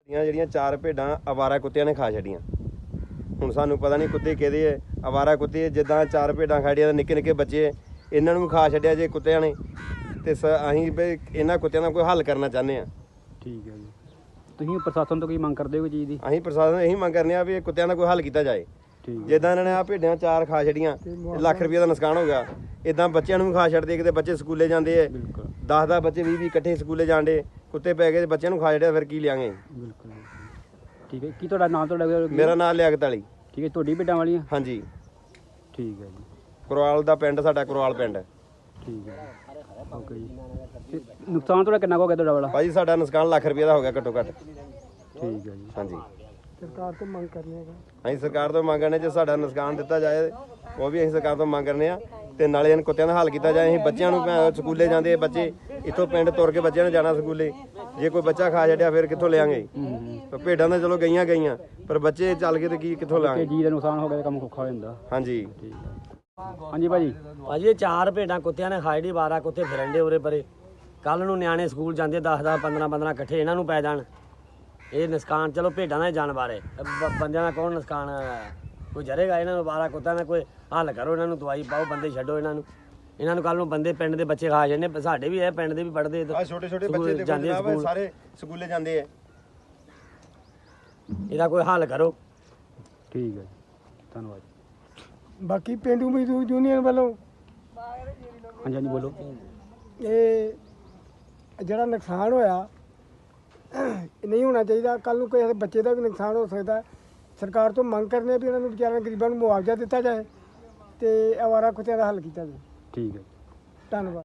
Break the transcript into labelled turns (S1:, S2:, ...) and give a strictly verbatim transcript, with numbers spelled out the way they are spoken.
S1: ਜਿਹੜੀਆਂ ਚਾਰ ਭੇਡਾਂ ਅਵਾਰਾ ਕੁੱਤਿਆਂ ਨੇ ਖਾ ਛੱਡੀਆਂ। ਹੁਣ ਸਾਨੂੰ ਪਤਾ ਨਹੀਂ ਕੁੱਤੇ ਕਿਹਦੇ ਹੈ, ਅਵਾਰਾ ਕੁੱਤੇ ਜਿੱਦਾਂ ਚਾਰ ਭੇਡਾਂ ਖੜੀਆਂ ਨਿੱਕੇ ਨਿੱਕੇ ਬੱਚੇ ਇਹਨਾਂ ਨੂੰ ਵੀ ਖਾ ਛੱਡਿਆ ਜੇ ਕੁੱਤਿਆਂ ਨੇ। ਤੇ ਅਸੀਂ ਵੀ ਇਹਨਾਂ ਕੁੱਤਿਆਂ ਦਾ ਕੋਈ ਹੱਲ ਕਰਨਾ ਚਾਹੁੰਦੇ ਹਾਂ।
S2: ਠੀਕ ਹੈ ਜੀ, ਤੁਸੀਂ ਪ੍ਰਸ਼ਾਸਨ ਤੋਂ ਕੀ ਮੰਗ ਕਰਦੇ ਹੋ ਕੋਈ ਚੀਜ਼ ਦੀ?
S1: ਅਸੀਂ ਪ੍ਰਸ਼ਾਸਨ ਇਹੀ ਮੰਗ ਕਰਨੇ ਆ ਵੀ ਇਹ ਕੁੱਤਿਆਂ ਦਾ ਕੋਈ ਹੱਲ ਕੀਤਾ ਜਾਏ। ਜਿੱਦਾਂ ਇਹਨਾਂ ਨੇ ਆ ਭੇਡਾਂ ਚਾਰ ਖਾ ਛੱਡੀਆਂ, ਲੱਖ ਰੁਪਏ ਦਾ ਨੁਕਸਾਨ ਹੋ ਗਿਆ। ਇਦਾਂ ਬੱਚਿਆਂ ਨੂੰ ਵੀ ਖਾ ਛੱਡਦੇ, ਕਿਤੇ ਬੱਚੇ ਸਕੂਲੇ ਜਾਂਦੇ ਹੈ, ਦਸ ਦਸ ਬੱਚੇ ਵੀਹ ਵੀਹ ਇਕੱਠੇ ਸਕੂਲੇ ਜਾਂਦੇ, ਕੁੱਤੇ ਪੈ ਗਏ ਬੱਚਿਆਂ ਨੂੰ ਖਾ ਛੱਡਿਆ, ਫਿਰ ਕੀ ਲਿਆਂਗੇ।
S2: ਬਿਲਕੁਲ ਠੀਕ ਹੈ। ਕੀ ਤੁਹਾਡਾ ਨਾਮ? ਤੁਹਾਡਾ
S1: ਮੇਰਾ ਨਾਮ ਲਿਆਕਤ ਅਲੀ।
S2: ਠੀਕ ਹੈ, ਤੁਹਾਡੀ ਭੇਡਾਂ ਵਾਲੀਆਂ?
S1: ਹਾਂਜੀ
S2: ਠੀਕ ਹੈ ਜੀ।
S1: ਕੁਰਾਲ ਦਾ ਪਿੰਡ ਸਾਡਾ, ਕੁਰਾਲ ਪਿੰਡ।
S2: ਠੀਕ ਹੈ, ਓਕੇ ਜੀ। ਤੇ ਨੁਕਸਾਨ ਤੁਹਾਡਾ ਕਿੰਨਾ ਕੁ ਹੋ ਗਿਆ ਤੁਹਾਡਾ ਵਾਲਾ?
S1: ਭਾਜੀ ਸਾਡਾ ਨੁਕਸਾਨ ਲੱਖ ਰੁਪਏ ਦਾ ਹੋ ਗਿਆ ਘੱਟੋ ਘੱਟ।
S2: ਠੀਕ ਹੈ ਜੀ।
S1: ਹਾਂਜੀ,
S3: ਸਰਕਾਰ ਤੋਂ ਮੰਗ ਕਰਨੇ ਆ।
S1: ਅਸੀਂ ਸਰਕਾਰ ਤੋਂ ਮੰਗ ਕਰਨੇ ਜੇ ਸਾਡਾ ਨੁਕਸਾਨ ਦਿੱਤਾ ਜਾਏ, ਉਹ ਵੀ ਅਸੀਂ ਸਰਕਾਰ ਤੋਂ ਮੰਗ ਕਰਨੇ ਆ। ਤੇ ਨਾਲੇ ਇਹਨਾਂ ਕੁੱਤਿਆਂ ਦਾ ਹੱਲ ਕੀਤਾ ਜਾਏ। ਅਸੀਂ ਬੱਚਿਆਂ ਨੂੰ ਸਕੂਲੇ ਜਾਂਦੇ ਬੱਚੇ, ਇੱਥੋਂ ਪਿੰਡ ਤੁਰ ਕੇ ਬੱਚਿਆਂ ਨੇ ਜਾਣਾ ਸਕੂਲੇ, ਜੇ ਕੋਈ ਬੱਚਾ ਖਾ ਛੱਡਿਆ ਫਿਰ ਕਿੱਥੋਂ ਲਿਆਂਗੇ। ਭੇਡਾਂ ਤਾਂ ਚਲੋ ਗਈਆਂ ਗਈਆਂ, ਪਰ ਬੱਚੇ ਚੱਲ ਕੇ ਤੇ ਕੀ ਕਿੱਥੋਂ ਲਿਆਂਗੇ।
S2: ਜੀ ਦਾ ਨੁਕਸਾਨ ਹੋ ਗਿਆ, ਕੰਮ ਔਖਾ ਹੋ ਜਾਂਦਾ।
S1: ਹਾਂਜੀ
S2: ਠੀਕ ਹੈ। ਹਾਂਜੀ ਭਾਜੀ।
S4: ਭਾਜੀ ਇਹ ਚਾਰ ਭੇਡਾਂ ਕੁੱਤਿਆਂ ਨੇ ਖਾਈ ਡੀ, ਬਾਰਾਂ ਕੁੱਤੇ ਫਿਰੰਡੇ ਉਰੇ ਪਰੇ। ਕੱਲ ਨੂੰ ਨਿਆਣੇ ਸਕੂਲ ਜਾਂਦੇ ਦਸ ਦਸ ਪੰਦਰਾਂ ਪੰਦਰਾਂ ਇਕੱਠੇ, ਇਹਨਾਂ ਨੂੰ ਪੈ ਜਾਣ। ਇਹ ਨੁਕਸਾਨ ਚਲੋ ਭੇਡਾਂ ਦਾ ਜਾਨਵਰ ਹੈ, ਬੰਦਿਆਂ ਦਾ ਕੌਣ ਨੁਕਸਾਨ ਕੋਈ ਜਰੇਗਾ। ਇਹਨਾਂ ਨੂੰ ਬਾਰਾਂ ਕੁੱਤਿਆਂ ਦਾ ਕੋਈ ਹੱਲ ਕਰੋ, ਇਹਨਾਂ ਨੂੰ ਦਵਾਈ ਪਾਓ, ਬੰਦੇ ਛੱਡੋ ਇਹਨਾਂ ਨੂੰ। ਇਹਨਾਂ ਨੂੰ ਕੱਲ ਨੂੰ ਬੰਦੇ ਪਿੰਡ ਦੇ ਬੱਚੇ ਖਾ ਜਾਂਦੇ, ਸਾਡੇ ਵੀ ਇਹ ਪਿੰਡ ਦੇ ਵੀ ਪੜ੍ਹਦੇ
S1: ਛੋਟੇ ਛੋਟੇ ਬੱਚੇ ਜਾਂਦੇ ਸਾਰੇ ਸਕੂਲੇ ਜਾਂਦੇ ਆ।
S4: ਇਹਦਾ ਕੋਈ ਹੱਲ ਕਰੋ।
S2: ਠੀਕ ਹੈ ਜੀ, ਧੰਨਵਾਦ।
S3: ਬਾਕੀ ਪੇਂਡੂ ਮਜ਼ਦੂਰ ਯੂਨੀਅਨ ਵੱਲੋਂ
S2: ਹਾਂਜੀ ਹਾਂਜੀ ਬੋਲੋ।
S3: ਇਹ ਜਿਹੜਾ ਨੁਕਸਾਨ ਹੋਇਆ ਨਹੀਂ ਹੋਣਾ ਚਾਹੀਦਾ। ਕੱਲ ਨੂੰ ਕਿਸੇ ਬੱਚੇ ਦਾ ਵੀ ਨੁਕਸਾਨ ਹੋ ਸਕਦਾ। ਸਰਕਾਰ ਤੋਂ ਮੰਗ ਕਰਨੇ ਆ ਵੀ ਇਹਨਾਂ ਨੂੰ ਵਿਚਾਰਿਆਂ ਗਰੀਬਾਂ ਨੂੰ ਮੁਆਵਜ਼ਾ ਦਿੱਤਾ ਜਾਏ ਤੇ ਅਵਾਰਾ ਕੁੱਤਿਆਂ ਦਾ ਹੱਲ ਕੀਤਾ ਜਾਏ।
S2: ਠੀਕ ਹੈ,
S3: ਧੰਨਵਾਦ।